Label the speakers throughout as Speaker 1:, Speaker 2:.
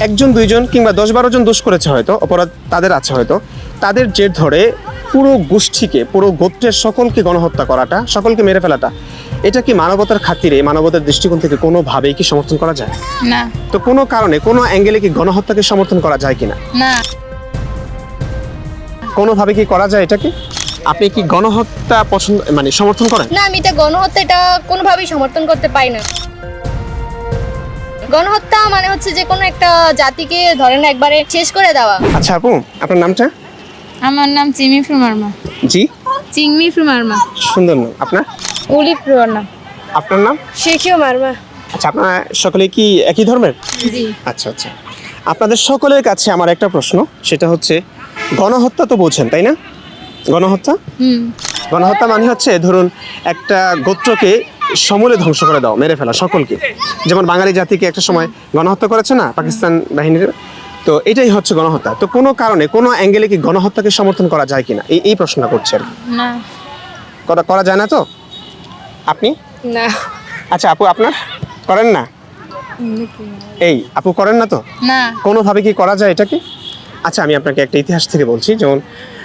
Speaker 1: একজন দুইজন কিংবা 10-12 জন দোষ করেছে হয়তো, অপরাধ তাদের আছে হয়তো, তাদের জের ধরে পুরো গোষ্ঠীকে, পুরো গোত্রের সকলকে গণহত্যা করাটা, সকলকে মেরে ফেলাটা, এটা কি মানবতার খাতিরে, মানবতার দৃষ্টিকোণ থেকে কোনোভাবেই কি সমর্থন করা যায়?
Speaker 2: না।
Speaker 1: তো কোনো কারণে, কোনো অ্যাঙ্গেলে কি গণহত্যাকে সমর্থন করা যায় কিনা?
Speaker 2: না।
Speaker 1: কোনোভাবে কি করা যায় এটাকে? আপনি কি গণহত্যা পছন্দ, মানে সমর্থন করেন?
Speaker 2: না, আমি এটা গণহত্যা এটা কোনোভাবেই সমর্থন করতে পারি না। গণহত্যা মানে হচ্ছে যে কোনো একটা জাতিকে ধরেন একবারে শেষ করে দেওয়া।
Speaker 1: আচ্ছা আপু, আপনার নামটা?
Speaker 2: আমার নাম চিমি ফ্রুমার্মা।
Speaker 1: জি,
Speaker 2: চিংমি ফ্রুমার্মা।
Speaker 1: সুন্দর নাম। আপনার?
Speaker 2: উলি ফ্রুমার্মা।
Speaker 1: আপনার নাম?
Speaker 2: শেখিও মার্মা।
Speaker 1: আচ্ছা, আপনারা সকলে কি একই ধর্মের?
Speaker 2: জি।
Speaker 1: আচ্ছা আচ্ছা, আপনাদের সকলের কাছে আমার একটা প্রশ্ন, সেটা হচ্ছে গণহত্যা তো বোঝেন তাই না? গণহত্যা, গণহত্যা মানে হচ্ছে ধরুন একটা গোত্রকে সমূলে ধ্বংস করে দাও, মেরে ফেলা সকলকে, যেমন বাঙালি জাতিকে একটা সময় গণহত্যা করেছে না পাকিস্তান বাহিনীর, তো এটাই হচ্ছে গণহত্যা। তো কোনো কারণে, কোনো অ্যাঙ্গেলে কি গণহত্যাকে সমর্থন করা যায় কিনা, এই প্রশ্নটা করছি আর কি।
Speaker 2: না।
Speaker 1: করা যায় না তো? আপনি?
Speaker 2: না।
Speaker 1: আচ্ছা আপু, আপনার করেন না? এই আপু করেন না তো?
Speaker 2: না।
Speaker 1: কোনোভাবে কি করা যায় এটাকে? আচ্ছা, আমি আপনাকে একটা ইতিহাস থেকে বলছি। যেমন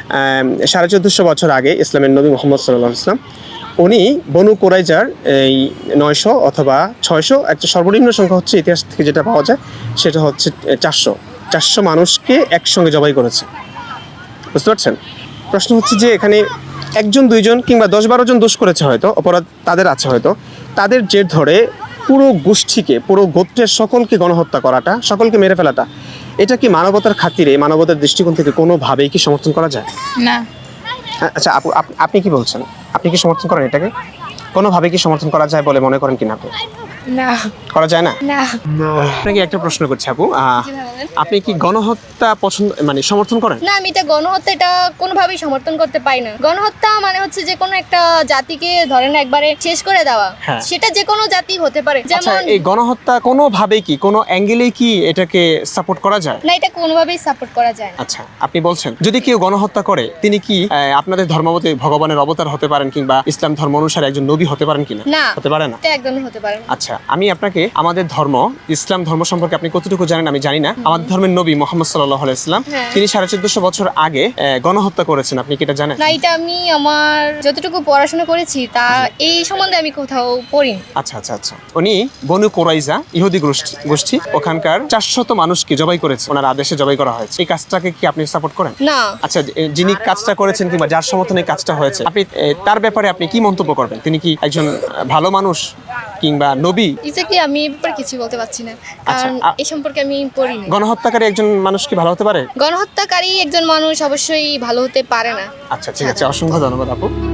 Speaker 1: 1450 বছর আগে ইসলামের নবী মুহাম্মদ সাল্লাল্লাহু আলাইহি ওয়াসাল্লাম, উনি বনু কুরাইজার এই 900 অথবা 600, একটা সর্বনিম্ন সংখ্যা হচ্ছে ইতিহাস থেকে যেটা পাওয়া যায় সেটা হচ্ছে 400 মানুষকে একসঙ্গে জবাই করেছে। বুঝতে পারছেন? প্রশ্ন হচ্ছে যে এখানে একজন দুইজন কিংবা 10-12 জন দোষ করেছে হয়তো, অপরাধ তাদের আছে হয়তো, তাদের জের ধরে পুরো গোষ্ঠীকে, পুরো গোত্রের সকলকে গণহত্যা করাটা, সকলকে মেরে ফেলাটা, এটা কি মানবতার খাতিরে, মানবতার দৃষ্টিকোণ থেকে কোনোভাবেই কি সমর্থন করা যায়?
Speaker 2: না।
Speaker 1: আচ্ছা আপু, আপনি কি বলছেন? আপনি কি সমর্থন করেন এটাকে? কোনোভাবে কি সমর্থন করা যায় বলে মনে করেন কিনা আপনি?
Speaker 2: না।
Speaker 1: করা যায় না?
Speaker 2: না।
Speaker 1: আপনাকে একটা প্রশ্ন করছি আপু, আপনি কি গণহত্যা পছন্দ, মানে সমর্থন করেন?
Speaker 2: না, আমি এটা গণহত্যা এটা কোনোভাবেই সমর্থন করতে পারি না। গণহত্যা মানে হচ্ছে যে কোনো একটা জাতিকে ধরেন একবারে শেষ করে দেওয়া।
Speaker 1: হ্যাঁ।
Speaker 2: সেটা যে কোনো জাতি হতে পারে।
Speaker 1: আচ্ছা,
Speaker 2: যেমন
Speaker 1: এই গণহত্যা কোনোভাবেই কি, কোনো অ্যাঙ্গেলেই কি এটাকে সাপোর্ট করা যায়?
Speaker 2: না, এটা কোনোভাবেই সাপোর্ট করা যায় না।
Speaker 1: আচ্ছা, আপনি বলছেন যদি কেউ গণহত্যা করে তিনি কি আপনাদের ধর্মমতে ভগবানের অবতার হতে পারেন, কিংবা ইসলাম ধর্ম অনুসারে একজন নবী হতে পারেন কিনা?
Speaker 2: না।
Speaker 1: হতে পারে না।
Speaker 2: এটা একদমই হতে পারে না।
Speaker 1: আচ্ছা, আমি আপনাকে আমাদের ধর্ম, ইসলাম ধর্ম সম্পর্কে আপনি কতটুকু জানেন আমি জানি না। আমাদের ধর্মের নবী মুহাম্মদ সাল্লাল্লাহু আলাইহি ওয়াসাল্লাম,
Speaker 2: হ্যাঁ।
Speaker 1: তিনি 1450 বছর আগে গণহত্যা করেছেন, আপনি কি এটা জানেন?
Speaker 2: না, এটা আমি আমার যতটুকু পড়াশোনা করেছি তা এই সম্বন্ধে আমি কোথাও পড়িনি।
Speaker 1: আচ্ছা আচ্ছা আচ্ছা, উনি বনু কুরাইজা ইহুদি গোষ্ঠী ওখানকার 400 মানুষকে জবাই করেছে, ওনার আদেশে জবাই করা হয়েছে। এই কাজটাকে কি আপনি সাপোর্ট করেন?
Speaker 2: না।
Speaker 1: আচ্ছা, যিনি কাজটা করেছেন কিংবা যার সমর্থনে কাজটা হয়েছে, আপনি তার ব্যাপারে আপনি কি মন্তব্য করবেন? তিনি কি একজন ভালো মানুষ কিংবা নবী?
Speaker 2: এক্স্যাক্টলি আমি এই ব্যাপারে কিছু বলতে পারছি না, কারণ
Speaker 1: আচ্ছা,
Speaker 2: এই সম্পর্কে আমি পড়িনি।
Speaker 1: গণহত্যাকারী একজন মানুষ কি ভালো হতে পারে?
Speaker 2: গণহত্যাকারী একজন মানুষ অবশ্যই ভালো হতে পারে না।
Speaker 1: আচ্ছা ঠিক আছে, অসংখ্য ধন্যবাদ আপু।